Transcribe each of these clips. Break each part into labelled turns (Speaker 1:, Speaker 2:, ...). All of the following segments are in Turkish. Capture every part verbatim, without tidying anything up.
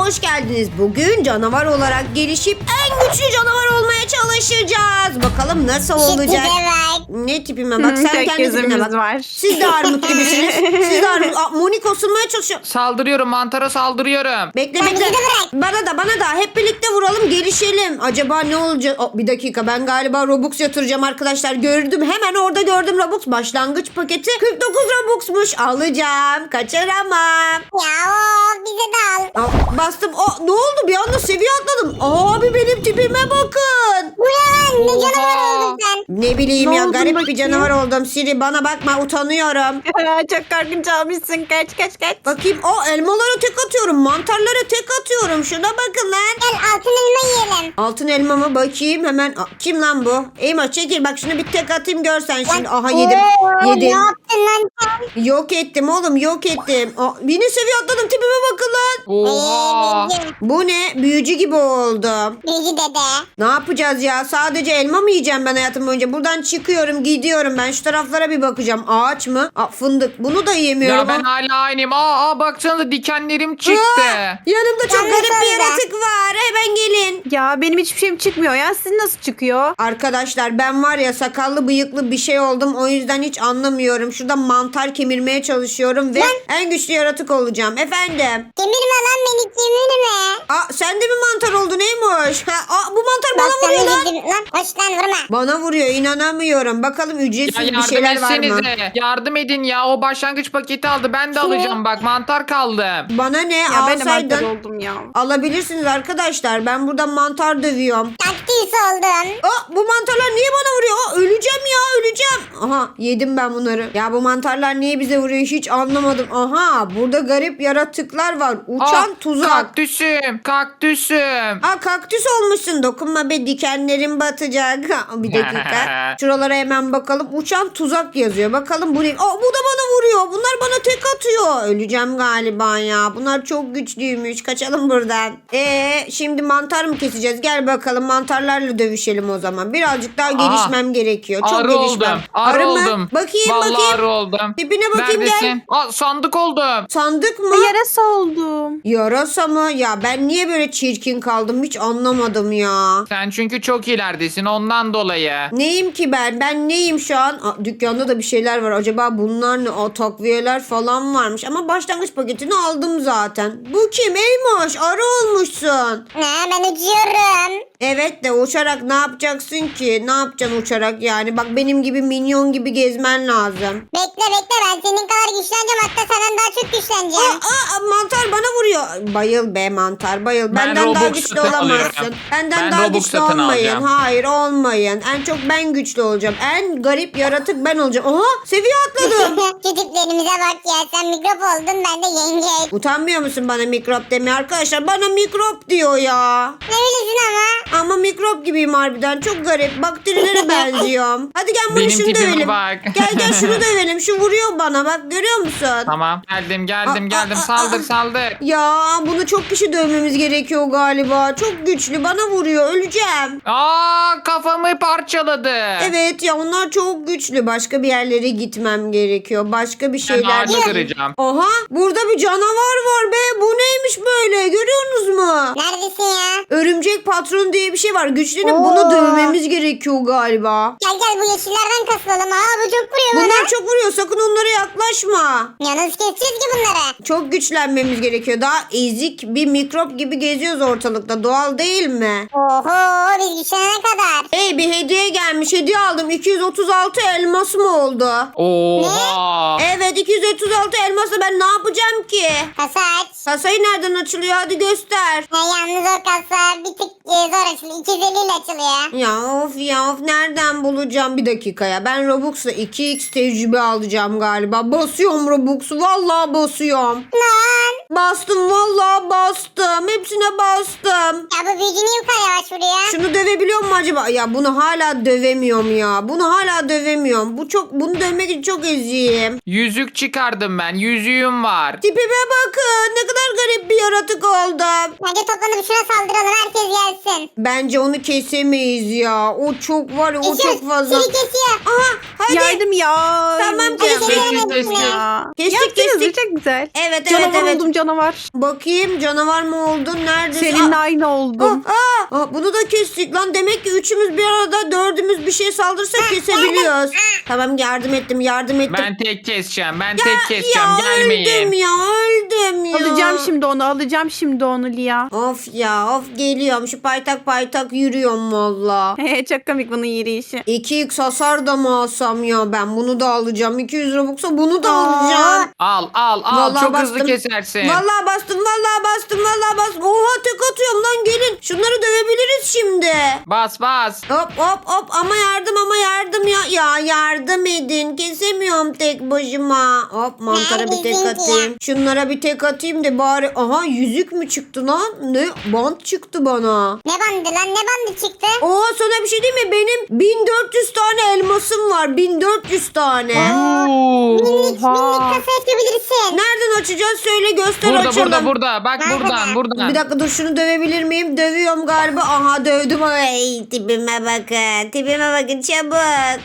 Speaker 1: hoş geldiniz. Bugün canavar olarak gelişip en güçlü canavar olmaya çalışacağız. Bakalım nasıl olacak? Ne tipime bak, sen
Speaker 2: Tek
Speaker 1: kendi tipine
Speaker 2: gözümüz
Speaker 1: bak.
Speaker 2: var.
Speaker 1: Siz de armut gibisiniz. Siz de armut. Aa, Monik osurmaya çalışıyor.
Speaker 3: Saldırıyorum, mantara saldırıyorum.
Speaker 1: Bekle
Speaker 4: Ben
Speaker 1: bekle.
Speaker 4: bizi de bırak.
Speaker 1: Bana da bana da hep birlikte vuralım, gelişelim. Acaba ne olacak? Aa, bir dakika, ben galiba Robux yatıracağım arkadaşlar. Gördüm, hemen orada gördüm Robux. Başlangıç paketi kırk dokuz Robux'muş. Alacağım. Kaçıramam.
Speaker 4: Ya o bize de al.
Speaker 1: Aa, bastım. Aa, ne oldu? Bir anda seviye atladım. Abi benim tipime bakın.
Speaker 4: Bu ya ne canavar
Speaker 3: Oha.
Speaker 4: oldun sen.
Speaker 1: Ne bileyim
Speaker 2: Ne
Speaker 1: ya,
Speaker 2: oldun
Speaker 1: garip bir
Speaker 2: bakayım?
Speaker 1: canavar oldum. Siri bana bakma, utanıyorum.
Speaker 2: Çok korkunç olmuşsun. Kaç kaç kaç.
Speaker 1: Bakayım, o elmalara tek atıyorum. Mantarlara tek atıyorum. Şuna bakın lan.
Speaker 4: Gel altın elma yiyelim.
Speaker 1: Altın elma mı? Bakayım hemen. Aa, kim lan bu? Eyma çekil bak, şunu bir tek atayım görsen şimdi. Aha yedim.
Speaker 4: Oo,
Speaker 1: Yedim.
Speaker 4: Ne yaptın lan sen?
Speaker 1: Yok ettim oğlum, yok ettim. Aa, yine seviye atladım, tipime bakın lan.
Speaker 3: Oha.
Speaker 4: Ee, bildim.
Speaker 1: Bu ne? Büyücü gibi oldum.
Speaker 4: Bilgi dede.
Speaker 1: Ne yapacağız ya? Sadece elma mı yiyeceğim ben hayatım boyunca? Buradan çıkıyorum, gidiyorum. Ben şu taraflara bir bakacağım. Ağaç mı? Aa, fındık. Bunu da yiyemiyorum.
Speaker 3: Ya ben
Speaker 1: Aa,
Speaker 3: hala aynıyım. Aa, aa baksanıza dikenlerim çıktı.
Speaker 1: yanımda çok
Speaker 4: Yalnız
Speaker 1: garip bir
Speaker 4: öyle.
Speaker 1: yaratık var. Hemen gelin.
Speaker 2: Ya benim hiçbir şeyim çıkmıyor ya. Sizin nasıl çıkıyor?
Speaker 1: Arkadaşlar ben var ya, sakallı bıyıklı bir şey oldum. O yüzden hiç anlamıyorum. Şurada mantar kemirmeye çalışıyorum ve en güçlü yaratık olacağım. Efendim.
Speaker 4: Kemirme lan beni kemirme.
Speaker 1: Aa, sen de mi mantar oldun Eymoş? Ha, aa, bu mantar
Speaker 4: Bak
Speaker 1: bana vuruyor
Speaker 4: sana
Speaker 1: lan.
Speaker 4: gittim lan. Hoş lan vurma.
Speaker 1: Bana vuruyor, inanamıyorum. Bakalım
Speaker 3: Ya
Speaker 1: ücretsiz bir
Speaker 3: yardım
Speaker 1: şeyler var mı?
Speaker 3: etsenize. Yardım edin ya. O başlangıç paketi aldı. Ben de alacağım bak. Mantar kaldı.
Speaker 1: Bana ne?
Speaker 2: Ya ben de
Speaker 1: Alsaydın.
Speaker 2: mantar oldum ya.
Speaker 1: Alabilirsiniz arkadaşlar. Ben burada mantar dövüyorum.
Speaker 4: Kaktüs oldun.
Speaker 1: Aa, bu mantarlar niye bana vuruyor? Aa, öleceğim ya, öleceğim. Aha, yedim ben bunları. Ya bu mantarlar niye bize vuruyor hiç anlamadım. Aha, burada garip yaratıklar var. Uçan
Speaker 3: Aa,
Speaker 1: tuzak.
Speaker 3: Kaktüsüm. Kaktüsüm.
Speaker 1: Aa, kaktüs olmuşsun. Dokunma be, dikenlerim batacak. Aa, bir dakika. Şuralara hemen bakalım. Uçan tuzak yazıyor. Bakalım bu ne? Aa, bu da bana vuruyor. Bunlar bana tek atıyor. Öleceğim galiba ya. Bunlar çok güçlüymüş. Kaçalım buradan. Ee, şimdi mantar mı keseceğiz? Gel bakalım, mantarlarla dövüşelim o zaman. Birazcık daha gelişmem gerekiyor. Çok
Speaker 3: Arı
Speaker 1: gelişmem.
Speaker 3: oldum. Arı
Speaker 1: mı?
Speaker 3: oldum.
Speaker 1: Bakayım
Speaker 3: Vallahi
Speaker 1: bakayım.
Speaker 3: arı oldum.
Speaker 1: Tipine bakayım,
Speaker 3: Neredesin?
Speaker 1: gel.
Speaker 3: Aa, sandık oldum.
Speaker 1: Sandık mı?
Speaker 2: Yarasa oldum.
Speaker 1: Yarasa mı? Ya ben niye böyle çirkin kaldım hiç anlamadım ya.
Speaker 3: Sen çünkü çok ileridesin ondan dolayı.
Speaker 1: Neyim ki ben? Ben neyim şu an? Aa, dükkanda da bir şeyler var. Acaba bunlar ne? Aa, takviyeler falan varmış. Ama başlangıç paketini aldım zaten. Bu kim? Eymoş. Arı olmuşsun.
Speaker 4: Ne ben uçuyorum.
Speaker 1: Evet de uçarak ne yapacaksın ki? Ne yapacaksın uçarak yani? Bak benim gibi minyon gibi gezmen lazım.
Speaker 4: Bekle bekle ben senin kadar güçleneceğim. Hatta senden daha çok
Speaker 1: Aa,
Speaker 4: güçleneceğim.
Speaker 1: aa, mantar bana vuruyor. Bayıl be mantar, bayıl.
Speaker 3: Ben
Speaker 1: Benden daha
Speaker 3: Robux
Speaker 1: güçlü
Speaker 3: satın
Speaker 1: olamazsın.
Speaker 3: alıyorum.
Speaker 1: Benden
Speaker 3: Ben
Speaker 1: daha
Speaker 3: Robux
Speaker 1: güçlü
Speaker 3: satın
Speaker 1: olmayın.
Speaker 3: alacağım.
Speaker 1: Hayır olmayın. En çok ben güçlü olacağım. En garip yaratık ben olacağım. Aha, seviye atladım.
Speaker 4: Şu tiplerimize bak ya. Sen mikrop oldun ben de yengeç.
Speaker 1: Utanmıyor musun bana mikrop demeye arkadaşlar? Bana mikrop diyor ya.
Speaker 4: Ne bilirsin ama.
Speaker 1: Ama mikrop gibiyim harbiden. Çok garip. Bakterilere benziyorum. Hadi gel bunu
Speaker 3: Benim
Speaker 1: şunu
Speaker 3: tipime
Speaker 1: dövelim.
Speaker 3: bak.
Speaker 1: Gel gel şunu dövelim. Şu vuruyor bana, bak görüyor musun?
Speaker 3: Tamam. Geldim geldim
Speaker 1: Aa,
Speaker 3: geldim.
Speaker 1: aa,
Speaker 3: Saldır
Speaker 1: aa.
Speaker 3: saldır.
Speaker 1: Ya bunu çok kişi dövmemiz gerekiyor galiba. Çok güçlü, bana vuruyor. Öleceğim.
Speaker 3: Aa, kafamı parçaladı.
Speaker 1: Evet ya, onlar çok güçlü. Başka bir yerlere gitmem gerekiyor. Başka bir
Speaker 3: Ben
Speaker 1: şeyler.
Speaker 3: ağacı kıracağım.
Speaker 1: Aha, burada bir canavar var be. Bu neymiş böyle? Görüyorsunuz mu?
Speaker 4: Neredesin ya?
Speaker 1: Örümcek patron diye bir şey var. Güçlenip
Speaker 4: Oo.
Speaker 1: bunu dövmemiz gerekiyor galiba.
Speaker 4: Gel gel bu yeşillerden kasılalım. Aa bu çok vuruyor
Speaker 1: Bunlar
Speaker 4: bana.
Speaker 1: çok vuruyor. Sakın onlara yaklaşma.
Speaker 4: Ya nasıl keseceğiz ki bunları?
Speaker 1: Çok güçlenmemiz gerekiyor. Daha ezik bir mikrop gibi geziyoruz ortalıkta. Doğal değil mi?
Speaker 4: Oho biz güçlenene kadar.
Speaker 1: Hey, bir hediye gelmiş. Hediye aldım. iki yüz otuz altı elmas mı oldu?
Speaker 3: Oha.
Speaker 1: Evet, iki yüz otuz altı elmasla ben ne yapacağım ki?
Speaker 4: Kasa aç.
Speaker 1: Kasayı nereden açılıyor? Hadi göster.
Speaker 4: Ha, yalnız o kasa bir tık e, zor açılıyor. iki yüz elli ile açılıyor.
Speaker 1: Ya of ya of, nereden bulacağım? Bir dakika ya. Ben Robux'la iki x tecrübe alacağım galiba. Basıyorum Robux'u. Vallahi basıyorum.
Speaker 4: Lan.
Speaker 1: Bastım, vallahi bastım. Hepsine bastım.
Speaker 4: Ya bu büyücü niye bu kadar yavaş vuruyor?
Speaker 1: Şunu dövebiliyor mu acaba? Ya bunu hala dövemiyorum ya. Bunu hala dövemiyorum. Bu çok, bunu dövmek için çok eziyim.
Speaker 3: Yüzük çıkardım ben. Yüzüğüm var.
Speaker 1: Tipime bakın. Ne kadar garip bir yaratık oldum.
Speaker 4: Bence toplanıp şuna saldıralım. Herkes gelsin.
Speaker 1: Bence onu kesemeyiz ya. O çok var ya, o
Speaker 4: Kesiyor.
Speaker 1: çok fazla.
Speaker 4: Seni kesiyor.
Speaker 1: Aha, hadi.
Speaker 2: Yardım ya.
Speaker 1: Tamam,
Speaker 2: Öleceğim.
Speaker 1: kesin.
Speaker 3: Sessiz sessiz.
Speaker 2: Ya.
Speaker 1: Kestik,
Speaker 2: Yaptınız mı?
Speaker 1: kestik.
Speaker 2: Çok güzel.
Speaker 1: Evet evet
Speaker 2: Canavar
Speaker 1: evet.
Speaker 2: oldum canavar.
Speaker 1: Bakayım canavar mı oldun? Neredesin?
Speaker 2: Seninle
Speaker 1: Aa,
Speaker 2: aynı oldum.
Speaker 1: aa, aa, bunu da kestik lan. Demek ki üçümüz bir arada dördümüz bir şey saldırırsa kesebiliyoruz. Tamam yardım ettim yardım ettim.
Speaker 3: Ben tek keseceğim. Ben tek keseceğim.
Speaker 1: ya
Speaker 3: Gelmeyin.
Speaker 1: öldüm ya öldüm ya.
Speaker 2: Alacağım şimdi onu alacağım şimdi onu Lia.
Speaker 1: Of ya of geliyorum şu paytak paytak yürüyorum valla.
Speaker 2: Çok komik bunun yürüyüşü.
Speaker 1: iki x hasar da mı alsam ya ben bunu da alacağım. iki yüz Robux'a bunu da
Speaker 4: Aa.
Speaker 1: alacağım.
Speaker 3: Al al al.
Speaker 1: Vallahi
Speaker 3: Çok
Speaker 1: bastım.
Speaker 3: hızlı kesersin.
Speaker 1: Vallahi bastım vallahi bastım vallahi bastım. Oha tek atıyorum lan gelin. Şunları dövebiliriz şimdi.
Speaker 3: Bas bas.
Speaker 1: Hop hop hop ama yardım ama yardım ya. Ya yardım edin. Kesemiyorum tek başıma. Hop mantara bir tek
Speaker 4: Neredesin
Speaker 1: atayım. Şunlara bir tek atayım da bari. Aha yüzük mü çıktı lan? Ne? Bant çıktı bana.
Speaker 4: Ne bandı lan ne bandı çıktı?
Speaker 1: Oha sana bir şey diyeyim mi? Benim bin dört yüz tane elmasım var. bin dört yüz tane.
Speaker 3: Oo.
Speaker 4: Minik minik
Speaker 2: Oha.
Speaker 4: kasa açabilirsin.
Speaker 1: Nereden açacağız? Söyle göster
Speaker 3: Burada
Speaker 1: açalım.
Speaker 3: burada burada. Bak
Speaker 4: Nerede?
Speaker 3: buradan buradan.
Speaker 1: Bir dakika dur şunu dövebilir miyim? Dövüyorum galiba. Aha dövdüm. Ay tipime bakın. Tipime bakın çabuk.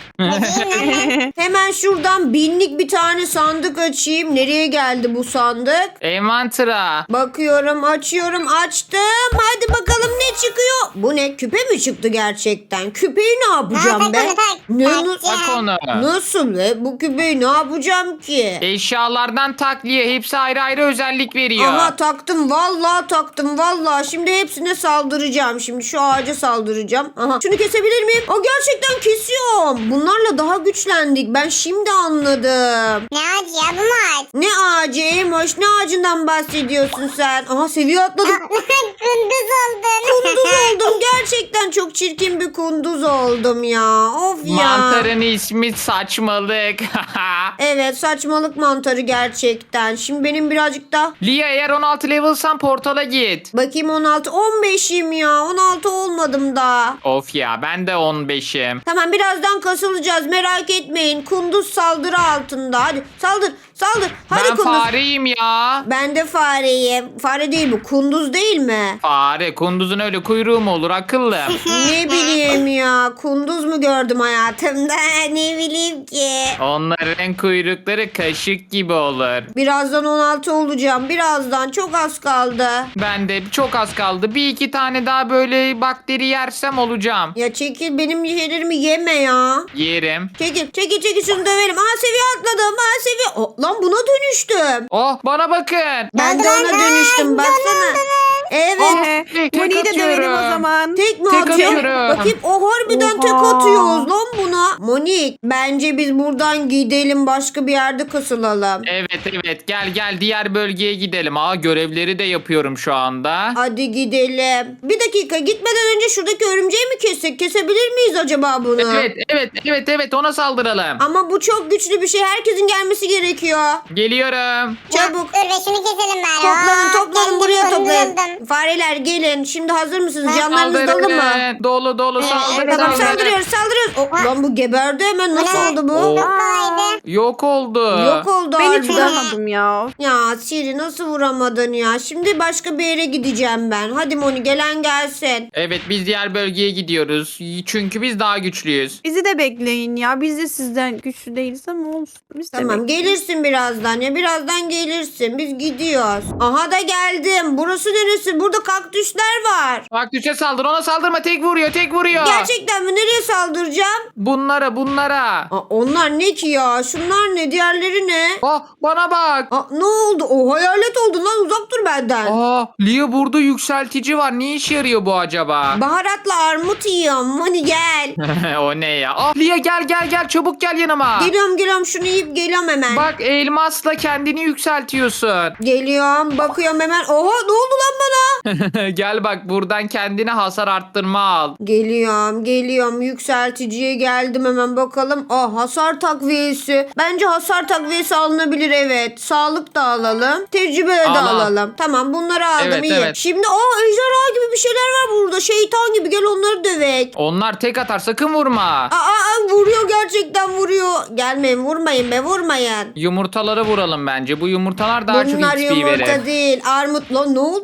Speaker 1: Hemen şuradan binlik bir tane sandık açayım. Nereye geldi bu sandık?
Speaker 3: Envantıra.
Speaker 1: Bakıyorum açıyorum açtım. Hadi bakalım ne çıkıyor? Bu ne? Küpe mi çıktı gerçekten? Küpeyi ne yapacağım
Speaker 4: Ha, tak
Speaker 1: be?
Speaker 4: onu, tak.
Speaker 1: Ne,
Speaker 4: Tak,
Speaker 1: nu-
Speaker 4: tak.
Speaker 3: Bak onu.
Speaker 1: nasıl be? Bu küpeyi ne yapacağım ki?
Speaker 3: Eşyalardan takliye. Hepsi ayrı ayrı özellik veriyor.
Speaker 1: Aha taktım vallahi taktım vallahi. Şimdi hepsine saldıracağım. Şimdi şu ağaca saldıracağım. Aha şunu kesebilir miyim? O gerçekten kesiyorum. Bunlarla daha güçlendik. Ben şimdi anladım.
Speaker 4: Ne ağacı ya bu mu ağaç?
Speaker 1: Ne ağacı Emoş? Ne ağacından bahsediyorsun sen? Aha seviye atladım.
Speaker 4: Kunduz oldun.
Speaker 1: Kunduz oldum. Gerçekten çok çirkin bir kunduz oldum ya. Of ya.
Speaker 3: Mantarın ismi saçmalık.
Speaker 1: Evet saçmalık mantarı gerçekten. Şimdi benim birazcık da
Speaker 3: Lia eğer on altı level'san portala git.
Speaker 1: bakayım on altı on beşim ya. on altı olmadım daha.
Speaker 3: Of ya ben de on beşim.
Speaker 1: Tamam birazdan kasılacağız merak etmeyin. Kunduz saldırı altında. Hadi saldır saldır. Hadi
Speaker 3: Ben
Speaker 1: kunduz.
Speaker 3: fareyim ya.
Speaker 1: Ben de fareyim. Fare değil bu. Kunduz değil mi?
Speaker 3: Fare. Kunduzun öyle kuyruğu mu olur akıllım?
Speaker 1: Ne bileyim ya. Kunduz mu gördüm hayatımda? Ne bileyim ki.
Speaker 3: Onların kuyrukları kaşık gibi olur.
Speaker 1: Birazdan on altı olacağım. Birazdan çok az kaldı.
Speaker 3: Ben de çok az kaldı. Bir iki tane daha böyle bakteri yersem olacağım.
Speaker 1: Ya çekil benim şeylerimi yeme ya.
Speaker 3: Yerim.
Speaker 1: Çekil çekil çekil şunu dövelim. Aa seviye atladım. Aa seviye. Oh, lan buna dönüştüm.
Speaker 3: Oh bana bakın.
Speaker 1: Ben de
Speaker 4: Döndü
Speaker 1: ona
Speaker 4: lan.
Speaker 1: dönüştüm baksana. Evet.
Speaker 3: Oh,
Speaker 2: Ee,
Speaker 3: tek
Speaker 2: Moni'yi de dövelim o
Speaker 3: atıyorum.
Speaker 2: zaman.
Speaker 1: Tek mi
Speaker 3: Tek
Speaker 1: atıyor?
Speaker 3: atıyorum.
Speaker 1: Bakayım o harbiden
Speaker 2: Oha.
Speaker 1: tek atıyoruz lan buna. Monik bence biz buradan gidelim başka bir yerde kasılalım.
Speaker 3: Evet evet gel gel diğer bölgeye gidelim. Aa görevleri de yapıyorum şu anda.
Speaker 1: Hadi gidelim. Bir dakika gitmeden önce şuradaki örümceği mi kessek? Kesebilir miyiz acaba bunu?
Speaker 3: Evet evet evet evet ona saldıralım.
Speaker 1: Ama bu çok güçlü bir şey. Herkesin gelmesi gerekiyor.
Speaker 3: Geliyorum.
Speaker 1: Çabuk.
Speaker 4: Dur be şunu keselim bari.
Speaker 1: Toplanın
Speaker 4: Aa,
Speaker 1: toplanın
Speaker 4: geldim,
Speaker 1: buraya
Speaker 4: kunduz
Speaker 1: toplayın.
Speaker 4: oldum.
Speaker 1: Fareler gelin. Şimdi hazır mısınız? Canlarınız dolu mu?
Speaker 3: Saldırın. Dolu dolu saldırın.
Speaker 1: Tamam
Speaker 3: saldırın.
Speaker 1: saldırıyoruz saldırıyoruz. Oh, lan bu geberdi hemen. Nasıl
Speaker 4: Ne?
Speaker 1: oldu bu?
Speaker 3: Oo.
Speaker 4: Çok kolaydı.
Speaker 3: Yok oldu.
Speaker 1: Yok oldu
Speaker 2: Ben hiç
Speaker 1: harbiden.
Speaker 2: vuramadım ya.
Speaker 1: Ya Siri nasıl vuramadın ya? Şimdi başka bir yere gideceğim ben. Hadi Moni gelen gelsin.
Speaker 3: Evet biz diğer bölgeye gidiyoruz. Çünkü biz daha güçlüyüz.
Speaker 2: Bizi de bekleyin ya. Biz de sizden güçlü değiliz ama olsun. Biz de
Speaker 1: Tamam
Speaker 2: bekleyin.
Speaker 1: gelirsin birazdan ya birazdan gelirsin. Biz gidiyoruz. Aha da geldim. Burası neresi? Burada kaktüsler var.
Speaker 3: Kaktüse saldır ona saldırma tek vuruyor tek vuruyor.
Speaker 1: Gerçekten mi? Nereye saldıracağım?
Speaker 3: Bunlara bunlara.
Speaker 1: Aa, onlar ne ki ya? Şunlar ne? Diğerleri ne?
Speaker 3: Ah bana bak.
Speaker 1: Aa, ne oldu? O hayalet oldu lan uzak dur benden.
Speaker 3: Aa Lia burada yükseltici var. Ne işe yarıyor bu acaba?
Speaker 1: Baharatla armut yiyorum. Hadi gel.
Speaker 3: O ne ya? Ah Lia gel gel gel çabuk gel yanıma.
Speaker 1: Geliyorum geliyorum şunu yiyip geliyorum hemen.
Speaker 3: Bak elmasla kendini yükseltiyorsun.
Speaker 1: Geliyorum bakıyorum hemen. Oha ne oldu lan bana?
Speaker 3: Gel bak buradan kendine hasar arttırma al.
Speaker 1: Geliyorum geliyorum yükselticiye geldim hemen bakalım. Ah hasar takviyesi. Bence hasar takviyesi alınabilir evet. Sağlık da alalım. Tecrübe de
Speaker 3: Al, al.
Speaker 1: alalım. Tamam bunları aldım
Speaker 3: Evet,
Speaker 1: iyi.
Speaker 3: evet.
Speaker 1: Şimdi aa ejderha gibi bir şeyler var burada. Şeytan gibi gel onları dövek.
Speaker 3: Onlar tek atar sakın vurma.
Speaker 1: Aa, aa vuruyor gerçekten vuruyor. Gelmeyin vurmayın be vurmayın.
Speaker 3: Yumurtaları vuralım bence. Bu yumurtalar daha
Speaker 1: Bunlar
Speaker 3: çok X P
Speaker 1: yumurta
Speaker 3: verir.
Speaker 1: değil. Armut lan ne oldu bana?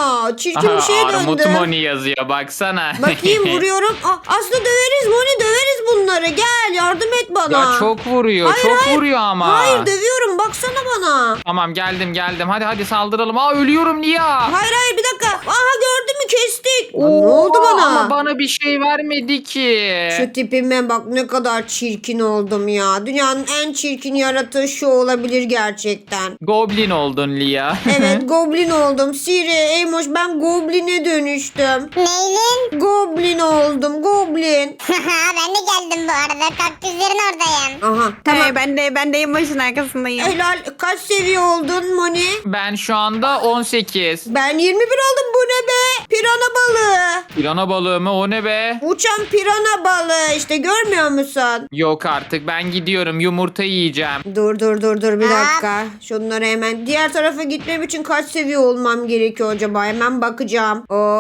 Speaker 1: ya. Çirkin bir şeye
Speaker 3: Armut
Speaker 1: döndüm.
Speaker 3: Moni yazıyor baksana.
Speaker 1: Bakayım vuruyorum. Aa, aslında döveriz Moni, döveriz bunları. Gel yardım et bana.
Speaker 3: Ya çok vuruyor.
Speaker 1: Hayır,
Speaker 3: çok
Speaker 1: hayır.
Speaker 3: vuruyor ama.
Speaker 1: Hayır dövüyorum, baksana bana.
Speaker 3: Tamam geldim geldim. Hadi hadi saldıralım. Aa ölüyorum Lia.
Speaker 1: Hayır hayır bir dakika. Aha gördün mü, kestik. Aa, ne oldu bana?
Speaker 3: Ama bana bir şey vermedi ki.
Speaker 1: Şu tipime bak, ne kadar çirkin oldum ya. Dünyanın en çirkin yaratığı şu olabilir gerçekten.
Speaker 3: Goblin oldun Lia.
Speaker 1: Evet goblin oldum. Siri, Eymoş, ben gobline dönüştüm.
Speaker 4: Neylin?
Speaker 1: Goblin oldum, goblin.
Speaker 4: Ben de geldim bu arada. Kaktüslerin oradayım.
Speaker 1: Aha tamam.
Speaker 2: Hey, ben de ben de yılbaşın arkasındayım.
Speaker 1: Helal. Kaç seviye oldun Moni?
Speaker 3: Ben şu anda on sekiz.
Speaker 1: Ben yirmi bir oldum, bu ne be? Pirana balığı.
Speaker 3: Pirana balığı mı? O ne be?
Speaker 1: Uçan pirana balığı işte, görmüyor musun?
Speaker 3: Yok artık ben gidiyorum. Yumurta yiyeceğim.
Speaker 1: Dur dur dur dur bir
Speaker 4: Aa.
Speaker 1: dakika. Şunları hemen diğer tarafa gitmem için kaç seviye olmam gerekiyor acaba? Hemen bakacağım.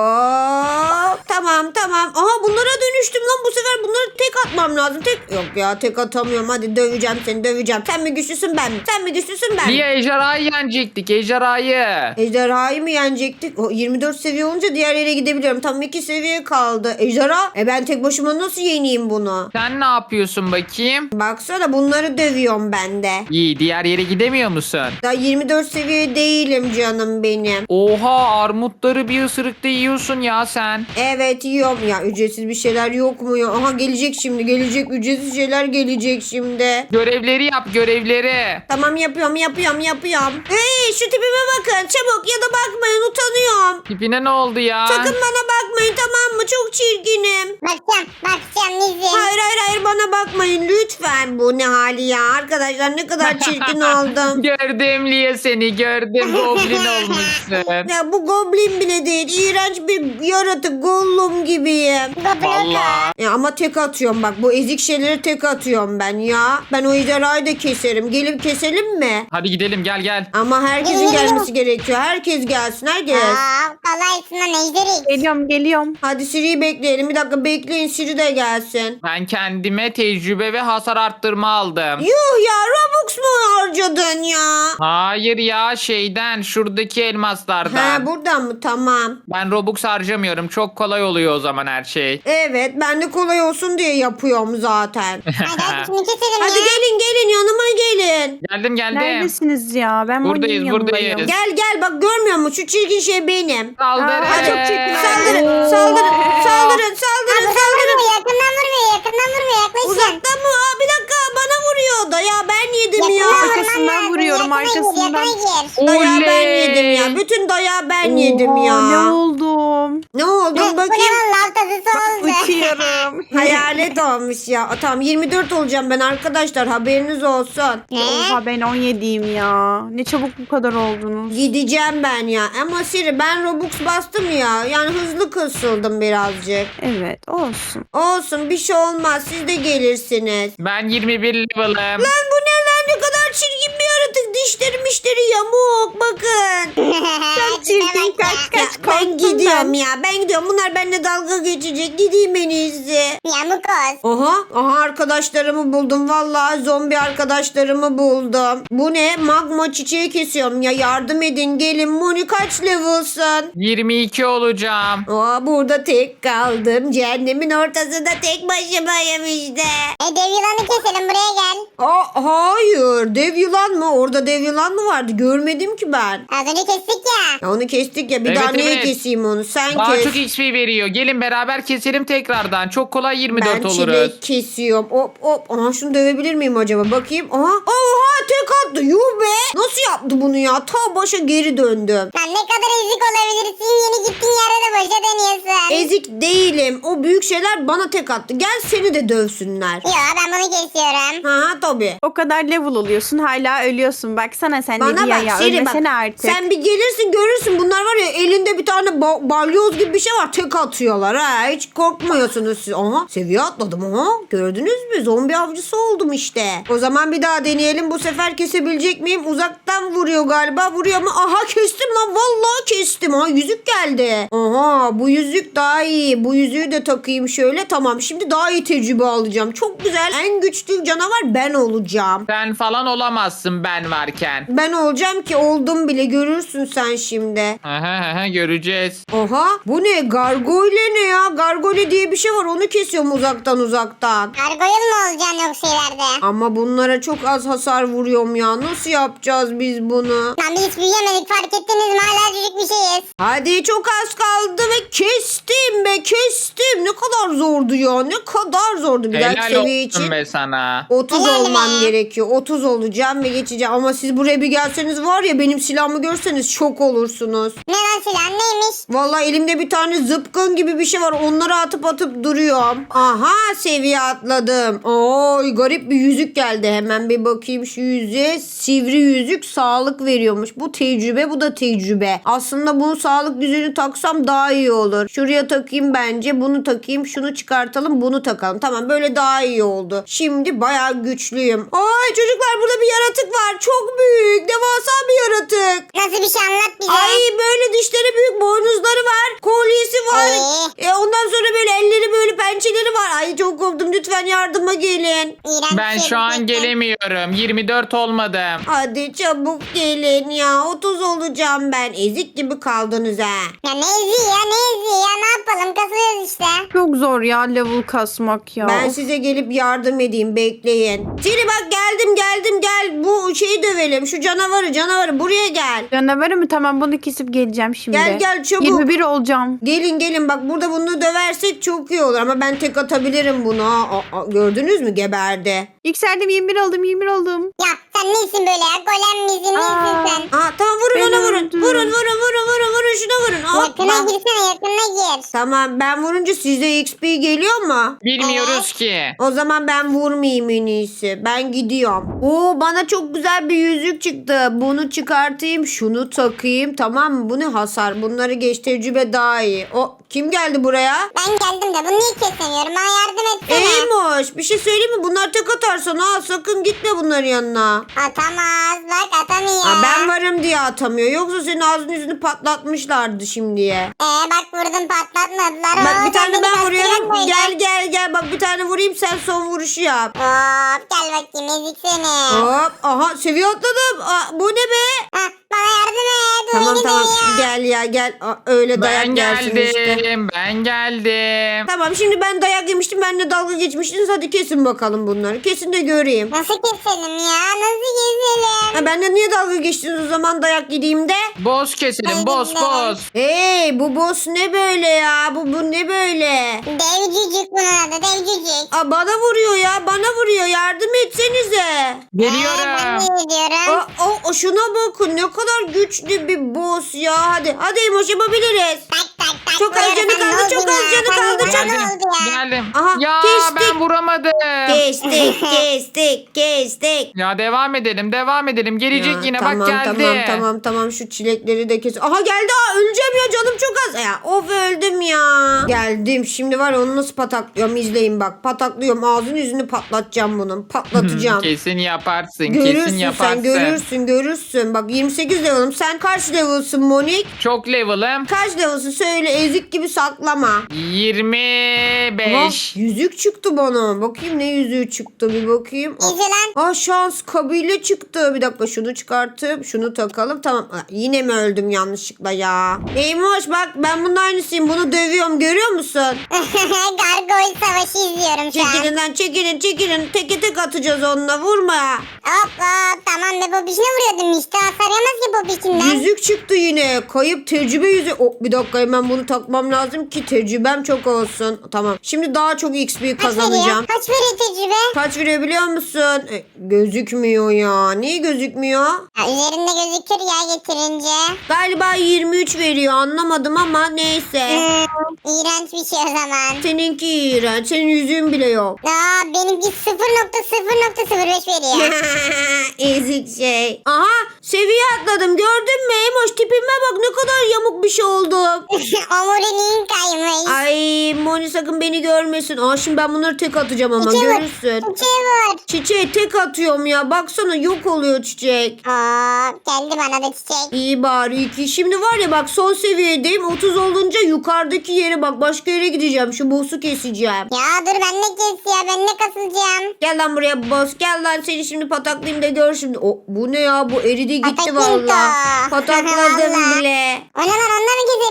Speaker 1: Oo, tamam tamam. Aha bunlara dönüştüm lan bu sefer. Bunları tek atmam lazım. Tek yok ya, tek atamıyorum. Hadi döveceğim seni, döveceğim. Sen mi güçlüsün ben mi? Sen mi güçlüsün ben mi?
Speaker 3: Lia ejderhayı yenecektik. Ejderhayı.
Speaker 1: Ejderhayı mı yenecektik? O yirmi dört seviye olunca diğer yere gidebiliyorum. Tam iki seviye kaldı. Ejderha? E ben tek başıma nasıl yeneyim bunu?
Speaker 3: Sen ne yapıyorsun bakayım?
Speaker 1: Baksana bunları dövüyorum ben de.
Speaker 3: İyi diğer yere gidemiyor musun?
Speaker 1: Daha yirmi dört seviye değilim canım benim.
Speaker 3: Oha armutları bir ısırıkta yiyorsun ya sen.
Speaker 1: Evet yiyorum. Ya ücretsiz bir şeyler yok mu ya? Aha gelecek şimdi, gelecek. Ücretsiz şeyler gelecek şimdi.
Speaker 3: Görevleri yap görevleri.
Speaker 1: Tamam yapıyorum yapıyorum yapıyorum. Hey şu tipime bakın çabuk, ya da bakmayın, utanıyorum.
Speaker 3: Tipine ne oldu ya?
Speaker 1: Sakın bana bakmayın, tamam mı? Çok çirkinim.
Speaker 4: Bakacağım. Bakacağım Nizim.
Speaker 1: Hayır hayır hayır bana bakmayın lütfen. Bu ne hali ya? Arkadaşlar ne kadar çirkin oldum.
Speaker 3: Gördüm Lia seni gördüm. Goblin olmuşsun.
Speaker 1: Ya bu goblin bile değil. İğrenç bir yaratık, Gollum gibiyim.
Speaker 3: Valla.
Speaker 1: Ya ama tek atıyorum bak. Bu ezik şeyleri tek atıyorum ben ya. Ben o ejderhayı da keserim. Gelip keselim mi?
Speaker 3: Hadi gidelim gel gel.
Speaker 1: Ama herkesin gelmesi gerekiyor. Herkes gelsin, herkes.
Speaker 4: Aa, kolaysın lan ejderik.
Speaker 2: Geliyorum geliyorum.
Speaker 1: Hadi Siri'yi bekleyelim. Bir dakika bekleyin, Siri de gelsin.
Speaker 3: Ben kendime tecrübe ve hasar arttırma aldım.
Speaker 1: Yuh ya, Robux mu harcadın ya?
Speaker 3: Hayır ya şeyden şuradaki elmaslardan.
Speaker 1: Ha buradan mı? Tamam.
Speaker 3: Ben Robux harcamıyorum. Çok kolay oluyor o zaman her şey.
Speaker 1: Evet ben de kolay olsun diye yapıyorum zaten.
Speaker 4: Hadi hadi şunu keselim
Speaker 1: Hadi
Speaker 4: ya.
Speaker 1: gelin gelin yanıma gelin.
Speaker 3: Geldim geldim.
Speaker 2: Neredesiniz ya? Ben
Speaker 3: Buradayız,
Speaker 2: Moni'nin yanındayım.
Speaker 3: buradayız.
Speaker 1: Gel gel bak, görmüyor musun? Şu çirkin şey benim.
Speaker 3: Saldırın.
Speaker 2: Aa, çok çirkin.
Speaker 1: Saldırın saldırın saldırın saldırın
Speaker 4: Yakından
Speaker 1: saldırın.
Speaker 4: vurmuyor, yakından vurmuyor, yakından vurmuyor. Yaklaşın.
Speaker 1: Uzaktan mı? Aa, bir dakika bana vuruyor da ya, ben yedim ya.
Speaker 4: Yakından vurman
Speaker 2: Arkasından
Speaker 4: lazım,
Speaker 2: vuruyorum,
Speaker 4: yakına gir,
Speaker 2: arkasından.
Speaker 4: yakına gir.
Speaker 1: Dayağı ben
Speaker 3: Oley.
Speaker 1: yedim ya. Bütün dayağı ben yedim
Speaker 2: Oha,
Speaker 1: ya.
Speaker 2: Ne oldum?
Speaker 1: Ne oldu
Speaker 4: Bu ne
Speaker 1: bakayım.
Speaker 4: lan, lav tadısı oldu.
Speaker 2: Uçuyorum.
Speaker 1: Hayalet olmuş ya. Tamam yirmi dört olacağım ben arkadaşlar, haberiniz olsun.
Speaker 4: Ne?
Speaker 2: Oha ben on yediyim ya. Ne çabuk bu kadar oldunuz.
Speaker 1: Gideceğim ben ya. Ama Siri ben Robux bastım ya. Yani hızlı kısıldım birazcık.
Speaker 2: Evet olsun.
Speaker 1: Olsun bir şey olmaz. Siz de gelirsiniz.
Speaker 3: Ben yirmi bir level'ım.
Speaker 1: Lan bu ne lan, ne kadar çirkin bir yaratık. Dişleri mişleri yamuk bakın.
Speaker 2: Çok çirkin kaç
Speaker 1: Ya,
Speaker 2: kaç
Speaker 1: ben
Speaker 2: korktum
Speaker 1: gidiyorum
Speaker 2: ben.
Speaker 1: ya. Ben gidiyorum. Bunlar benimle dalga geçecek. Gideyim en iyisi.
Speaker 4: Yamuk olsun.
Speaker 1: Aha, aha arkadaşlarımı buldum. Vallahi zombi arkadaşlarımı buldum. Bu ne? Magma çiçeği kesiyorum ya. Yardım edin gelin. Moni kaç level'sın?
Speaker 3: yirmi iki olacağım.
Speaker 1: Aa, burada tek kaldım. Cehennemin ortasında tek başımayım işte.
Speaker 4: E dev yılanı keselim, buraya gel.
Speaker 1: Aa, hayır. Dev yılan mı? Orada dev yılan mı vardı? Görmedim ki ben.
Speaker 4: Az önce kestik ya.
Speaker 1: Ya onu kestik ya. Bir
Speaker 3: Evet,
Speaker 1: daha neye
Speaker 3: evet.
Speaker 1: keseyim onu? Sen
Speaker 3: Daha
Speaker 1: kes.
Speaker 3: çok X P veriyor. Gelin beraber keselim tekrardan. Çok kolay yirmi dört
Speaker 1: Ben
Speaker 3: oluruz.
Speaker 1: çilek kesiyorum. Hop hop. Aha şunu dövebilir miyim acaba? Bakayım. Aha. Oha tek attı. Yuh be. Nasıl yaptı bunu ya? Ta başa geri döndüm.
Speaker 4: Lan ne kadar ezik olabilirsin. Yeni gittiğin yerde de boşa dönüyorsun.
Speaker 1: Ezik değilim. O büyük şeyler bana tek attı. Gel seni de dövsünler.
Speaker 4: Yo ben bunu kesiyorum.
Speaker 1: Ha tabii.
Speaker 2: O kadar level oluyorsun hala ölüyorsun. Baksana sen de
Speaker 1: Bana
Speaker 2: Lia
Speaker 1: bak
Speaker 2: ya
Speaker 1: Siri bak.
Speaker 2: ölmesene artık.
Speaker 1: Sen bir gelirsin görürsün. Bunlar var ya, elinde bir tane ba- balyoz gibi bir şey var. Tek atıyorlar ha. Hiç korkmuyorsunuz siz. Aha seviye atladım aha. Gördünüz mü? Zombi avcısı oldum işte. O zaman bir daha deneyelim. Bu sefer kesebilecek miyim? Uzaktan vuruyor galiba. Vuruyor mu? Aha kestim lan. Vallahi kestim. Ha yüzük geldi. Aha bu yüzük daha iyi. Bu yüzüğü de takayım şöyle. Tamam şimdi daha iyi tecrübe alacağım. Çok güzel. En güçlü canavar ben olacağım.
Speaker 3: Sen falan olamazsın ben varken.
Speaker 1: Ben olacağım ki oldum bile, görürsün sen şimdi.
Speaker 3: Aha, aha, Ha, göreceğiz.
Speaker 1: Oha bu ne? Gargoyle ne ya? Gargoyle diye bir şey var. Onu kesiyorum uzaktan uzaktan.
Speaker 4: Gargoyle mu olacaksın yoksa ileride?
Speaker 1: Ama bunlara çok az hasar vuruyorum ya. Nasıl yapacağız biz bunu?
Speaker 4: Lan biz hiç büyüyemedik fark ettiniz mi? Hala çocuk bir şeyiz.
Speaker 1: Hadi çok az kaldı ve kestim be kestim. Ne kadar zordu ya. Ne kadar zordu. Bir dahaki
Speaker 3: Helal
Speaker 1: seviye
Speaker 3: olsun
Speaker 1: için
Speaker 3: be sana.
Speaker 1: otuz
Speaker 4: Helal
Speaker 1: olmam
Speaker 4: be.
Speaker 1: gerekiyor. otuz olacağım ve geçeceğim. Ama siz buraya bir gelseniz var ya benim silahımı görseniz şok olursunuz.
Speaker 4: Ne lan silah neymiş?
Speaker 1: Vallahi elimde bir tane zıpkın gibi bir şey var. Onları atıp atıp duruyorum. Aha seviye atladım. Oy garip bir yüzük geldi. Hemen bir bakayım şu yüzüğe. Sivri yüzük sağlık veriyormuş. Bu tecrübe bu da tecrübe. Aslında bunu sağlık yüzüğünü taksam daha iyi olur. Şuraya takayım bence. Bunu takayım. Şunu çıkartalım. Bunu takalım. Tamam böyle daha iyi oldu. Şimdi bayağı güçlüyüm. Ay çocuklar burada bir yaratık var. Çok büyük. Devasa bir yaratık.
Speaker 4: Nasıl bir şey anlat bize.
Speaker 1: Ay böyle dişleri büyük, boynuzları var, kolyesi var.
Speaker 4: Ee?
Speaker 1: E, ondan sonra böyle elleri böyle pençeleri var. Ay çok korktum. Lütfen yardıma gelin.
Speaker 4: İğrenç
Speaker 3: Ben
Speaker 4: bir şey
Speaker 3: şu an
Speaker 4: gerçekten.
Speaker 3: gelemiyorum. yirmi dört olmadım.
Speaker 1: Hadi çabuk gelin ya. otuz olacağım ben. Ezik gibi kaldınız ha.
Speaker 4: Ya ne eziği ya ne eziği ya ne yapalım kasıyoruz işte.
Speaker 2: Çok zor ya level kasmak ya.
Speaker 1: Ben size gelip yardım edeyim. Bekleyin. Siri bak geldim geldim gel. Bu şeyi dövelim. Şu canavarı canavarı buraya gel.
Speaker 2: Canavarı mı? Tamam bunu kesip geleceğim şimdi.
Speaker 1: Gel, gel, çabuk.
Speaker 2: yirmi bir olacağım.
Speaker 1: Gelin gelin bak burada bunu döversek çok iyi olur. Ama ben tek atabilirim bunu. Aa, aa, gördünüz mü geberdi.
Speaker 2: Yükseldim yirmi bir oldum yirmi bir oldum.
Speaker 4: Ya sen neysin böyle ya golem misin
Speaker 2: Aa.
Speaker 4: neysin sen?
Speaker 1: Aa tamam vurun
Speaker 2: Ben
Speaker 1: ona vurun.
Speaker 2: öldüm.
Speaker 1: Vurun vurun vurun vurun vurun şuna vurun.
Speaker 4: Yakına
Speaker 1: Hoppa.
Speaker 4: girsene yakına gir.
Speaker 1: Tamam ben vurunca size X P geliyor mu?
Speaker 3: Bilmiyoruz ki.
Speaker 1: O zaman ben vurmayayım en iyisi. Ben gidiyorum. Oo bana çok güzel bir yüzük çıktı. Bunu çıkartayım, şunu takayım. Tamam mı? Bu ne hasar? Bunları geç tecrübe daha iyi. O kim geldi buraya?
Speaker 4: Ben geldim de bunu niye kesemiyorum? Bana yardım etsene.
Speaker 1: Eymoş bir şey söyleyeyim mi? Bunlar tek atarsan ha sakın gitme bunların yanına.
Speaker 4: Atamaz bak atamıyor.
Speaker 1: Ha, ben varım diye atamıyor. Yoksa senin ağzını yüzünü patlatmışlardı şimdiye.
Speaker 4: Ee bak vurdum patlatmadılar.
Speaker 1: Bak
Speaker 4: Oo,
Speaker 1: bir tane
Speaker 4: sen beni
Speaker 1: ben
Speaker 4: kastırıyorsun
Speaker 1: vuruyorum.
Speaker 4: böyle.
Speaker 1: Gel gel gel. Bak bir tane vurayım sen son vuruşu yap.
Speaker 4: Hop gel bakayım ezik seni.
Speaker 1: Hop. Aha seviye atladım. Aa, bu ne be?
Speaker 4: Hah, bana yardım et.
Speaker 1: Tamam
Speaker 4: Beni
Speaker 1: tamam
Speaker 4: dövüyor.
Speaker 1: gel ya gel. Aa, öyle dayak
Speaker 3: Ben
Speaker 1: gelsin
Speaker 3: geldim.
Speaker 1: işte.
Speaker 3: Ben geldim.
Speaker 1: Tamam şimdi ben dayak yemiştim. Benle dalga geçmiştiniz. Hadi kesin bakalım bunları. Kesin de göreyim.
Speaker 4: Nasıl keselim ya? Nasıl keselim?
Speaker 1: Ha, benle niye dalga geçtiniz o zaman dayak yediğimde?
Speaker 3: Boz keselim. Boz boz.
Speaker 1: Hey bu boss ne böyle ya? Bu, bu ne böyle?
Speaker 4: Dev cücük bunun adı dev cücük.
Speaker 1: Aa, bana vuruyor ya. Bana vuruyor. Yardım etsenize.
Speaker 4: Ee, ben
Speaker 3: Geliyorum.
Speaker 4: de gidiyorum.
Speaker 1: Aa, o, o şuna bakın ne kadar güçlü bir boss ya. Hadi hadi Emoş yapabiliriz.
Speaker 4: Tak tak tak.
Speaker 1: Çok az
Speaker 4: vuruyorum.
Speaker 1: canı
Speaker 4: Sen
Speaker 1: kaldı,
Speaker 4: ne
Speaker 1: çok
Speaker 4: oldun
Speaker 1: az
Speaker 4: ya?
Speaker 1: canı
Speaker 4: Sen
Speaker 1: kaldı,
Speaker 4: ne
Speaker 1: çok
Speaker 4: oldu
Speaker 1: az.
Speaker 4: ya?
Speaker 3: Geldim.
Speaker 1: Aha,
Speaker 3: ya
Speaker 1: kestik.
Speaker 3: ben vuramadım.
Speaker 1: Kestik kestik kestik.
Speaker 3: Ya devam edelim devam edelim. Gelecek
Speaker 1: Ya,
Speaker 3: yine
Speaker 1: tamam,
Speaker 3: bak geldi.
Speaker 1: Tamam tamam tamam şu çilekleri de kes. Aha geldi ha öleceğim ya canım çok az. Ya of öldüm ya. Geldim şimdi var ya onu nasıl pataklıyorum izleyin bak. Pataklıyorum ağzını yüzünü patlatacağım bunun. Patlatacağım.
Speaker 3: Kesin yaparsın. kesin
Speaker 1: Görürsün
Speaker 3: yaparsın.
Speaker 1: sen görürsün görürsün. Bak yirmi sekiz level'ım. Sen kaç level'sın Monik?
Speaker 3: Çok level'ım.
Speaker 1: Kaç level'sın söyle ezik gibi saklama.
Speaker 3: yirmi beş.
Speaker 1: Aha, yüzük çıktı bana. Bakayım ne yüzüğü çıktı bir bakayım.
Speaker 4: İzle lan.
Speaker 1: Aa şans kabile çıktı. Bir dakika şunu çıkartıp şunu takalım. Tamam. Aa, yine mi öldüm yanlışlıkla ya? Neymiş bak ben bunun aynısıyım. Bunu dövüyorum görüyor musun?
Speaker 4: Gargoyle savaşı izliyorum şu an.
Speaker 1: Çekilin lan çekilin çekilin. Teke tek atacağız onunla vurma.
Speaker 4: Hop hop tamam be popişine vuruyordum işte. Hasar yemez ki popişinden.
Speaker 1: Yüzük çıktı yine. Kayıp tecrübe yüzüğü. Oh, bir dakika hemen bunu takmam lazım ki tecrübem çok olsun. Tamam. Şimdi daha çok X P
Speaker 4: Kaç veriyor?
Speaker 1: kazanacağım.
Speaker 4: Kaç veriyor tecrübe?
Speaker 1: Kaç veriyor biliyor musun? E, gözükmüyor ya. Niye gözükmüyor?
Speaker 4: Ya, üzerinde gözükür ya getirince.
Speaker 1: Galiba yirmi üç veriyor anlamadım ama neyse.
Speaker 4: Hmm, iğrenç bir şey o zaman.
Speaker 1: Seninki iğrenç. Senin yüzüğün bile yok.
Speaker 4: Aa, benimki sıfır nokta sıfır nokta sıfır beş veriyor.
Speaker 1: Ezik şey. Aha seviye atladım gördün mü Emoş tipime bak ne kadar yamuk bir şey oldum.
Speaker 4: Omuriliğin kaymış.
Speaker 1: Ay Moni sakın beni görmesin. Aa şimdi ben bunları tek atacağım ama
Speaker 4: Çiçeği var.
Speaker 1: görürsün.
Speaker 4: Çiçeği var.
Speaker 1: Çiçeği tek atıyorum ya. Baksana yok oluyor çiçek.
Speaker 4: Aa, geldi bana da çiçek.
Speaker 1: İyi bari iki. Şimdi var ya bak son seviyedeyim. otuz olunca yukarıdaki yere bak başka yere gideceğim. Şu boss'u keseceğim.
Speaker 4: Ya dur ben de kes ya ben de kasılacağım.
Speaker 1: Gel lan buraya boss. Gel lan seni şimdi pataklayayım da gör şimdi. O, bu ne ya bu eridi gitti
Speaker 4: Pataklinto.
Speaker 1: valla. Patakladım
Speaker 4: Vallahi.
Speaker 1: bile.
Speaker 4: O ne lan onunla mı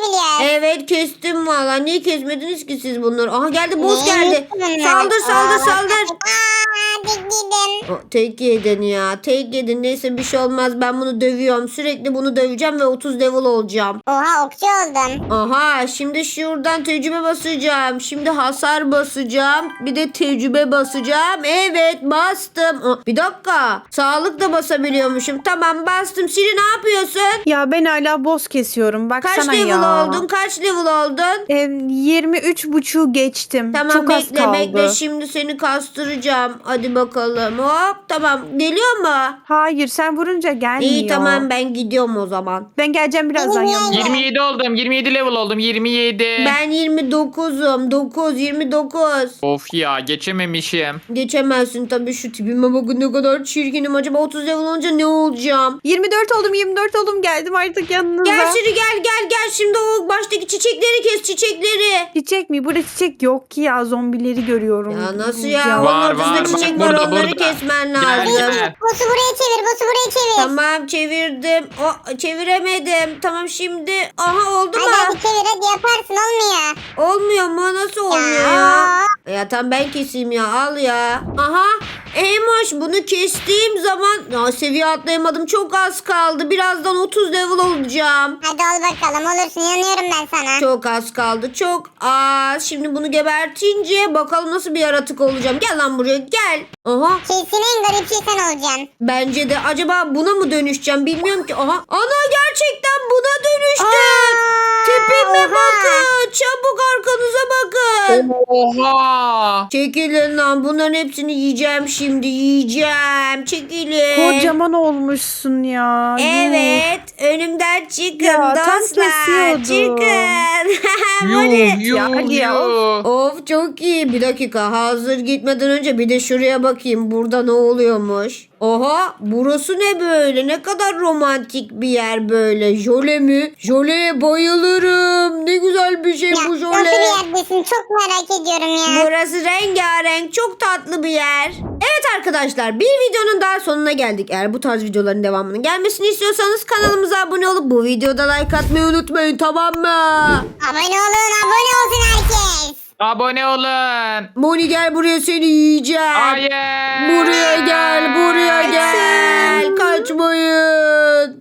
Speaker 1: Evet kestim valla. Niye kesmediniz ki siz bunları? Aha geldi boss
Speaker 4: Ne
Speaker 1: geldi.
Speaker 4: bunlar?
Speaker 1: Saldır saldır
Speaker 4: Aa,
Speaker 1: saldır.
Speaker 4: Aa dik gidin.
Speaker 1: O, tek yedin ya. Tek yedin. Neyse bir şey olmaz. Ben bunu dövüyorum. Sürekli bunu döveceğim ve otuz level olacağım.
Speaker 4: Oha okçu oldun.
Speaker 1: Aha şimdi şuradan tecrübe basacağım. Şimdi hasar basacağım. Bir de tecrübe basacağım. Evet bastım. Aa, bir dakika. Sağlık da basabiliyormuşum. Tamam bastım. Siri ne yapıyorsun?
Speaker 2: Ya ben hala boss kesiyorum. Baksana
Speaker 1: Kaç level
Speaker 2: ya.
Speaker 1: oldun? Kaç level oldun?
Speaker 2: E, yirmi üç buçuğu geçtim.
Speaker 1: Tamam
Speaker 2: Çok az
Speaker 1: bekle
Speaker 2: kaldı.
Speaker 1: bekle. Şimdi seni kastıracağım. Hadi bakalım. Hop tamam. Geliyor mu?
Speaker 2: Hayır sen vurunca gelmiyor.
Speaker 1: İyi tamam ben gidiyorum o zaman.
Speaker 2: Ben geleceğim birazdan
Speaker 4: Benim
Speaker 2: yanına.
Speaker 3: yirmi yedi oldum. yirmi yedi level oldum. yirmi yedi.
Speaker 1: Ben yirmi dokuzum. dokuz yirmi dokuz.
Speaker 3: Of ya geçememişim.
Speaker 1: Geçemezsin tabii şu tipime bakın ne kadar çirkinim. Acaba otuz level olunca ne olacağım?
Speaker 2: yirmi dört oldum yirmi dört oldum geldim artık yanınıza.
Speaker 1: Gel Siri gel gel gel. Şimdi o baştaki çiçekleri kes çiçekleri.
Speaker 2: Çiçek mi? Burada çiçek yok ki ya zombileri görüyorum.
Speaker 1: Ya nasıl ya?
Speaker 3: Var,
Speaker 1: Onun ortasında
Speaker 3: var,
Speaker 1: çiçek
Speaker 3: var.
Speaker 1: var.
Speaker 3: Burada,
Speaker 1: Onları
Speaker 3: burada.
Speaker 1: kesmen
Speaker 3: Gel,
Speaker 1: lazım.
Speaker 3: gel.
Speaker 4: Boss'u buraya çevir. Boss'u buraya çevir.
Speaker 1: Tamam çevirdim. O çeviremedim. Tamam şimdi. Aha oldu mu?
Speaker 4: Hadi hadi çevir hadi yaparsın olmuyor.
Speaker 1: Olmuyor mu? Nasıl olmuyor ya? Ya tamam ben keseyim ya. Al ya. Aha. Eymoş bunu kestiğim zaman ya seviye atlayamadım. Çok az kaldı. Birazdan otuz level olacağım.
Speaker 4: Hadi ol bakalım olursun inanıyorum ben sana.
Speaker 1: Çok az kaldı. Çok az. Şimdi bunu gebertince bakalım nasıl bir yaratık olacağım. Gel lan buraya gel. Aha.
Speaker 4: Kesin en garip şey sen olacaksın.
Speaker 1: Bence de acaba buna mı dönüşeceğim bilmiyorum ki. Aha. Ana gerçekten buna dönüştüm.
Speaker 4: Aa,
Speaker 1: Tipime
Speaker 4: oha.
Speaker 1: bakın. Çabuk arkanıza bakın.
Speaker 3: Oha.
Speaker 1: Çekilin lan. Bunların hepsini yiyeceğim şimdi. Yiyeceğim. Çekilin.
Speaker 2: Kocaman olmuşsun ya. Yuh.
Speaker 1: Evet. Önümden çıkın
Speaker 2: Ya, tam
Speaker 1: dostlar.
Speaker 2: kesiyordum.
Speaker 1: Çıkın.
Speaker 3: Yuh yuh
Speaker 2: Ya, hadi ya,
Speaker 3: yuh.
Speaker 1: Of çok iyi. Bir dakika hazır gitmeden önce bir de şuraya bakayım. Burada ne oluyormuş? Oha burası ne böyle? Ne kadar romantik bir yer böyle. Jöle mi? Jöleye bayılırım. Ne güzel bir şey
Speaker 4: Ya
Speaker 1: bu
Speaker 4: nasıl
Speaker 1: jöle.
Speaker 4: bir yerdesin çok merak ediyorum ya.
Speaker 1: Burası rengarenk. Çok tatlı bir yer. Evet arkadaşlar bir videonun daha sonuna geldik. Eğer bu tarz videoların devamının gelmesini istiyorsanız kanalımıza abone olup bu videoda like atmayı unutmayın tamam mı?
Speaker 4: Abone olun abone olsun herkes.
Speaker 3: Abone olun.
Speaker 1: Moni gel buraya seni yiyeceğim.
Speaker 3: Hayır.
Speaker 1: Buraya gel buraya gel. Kaçmayın.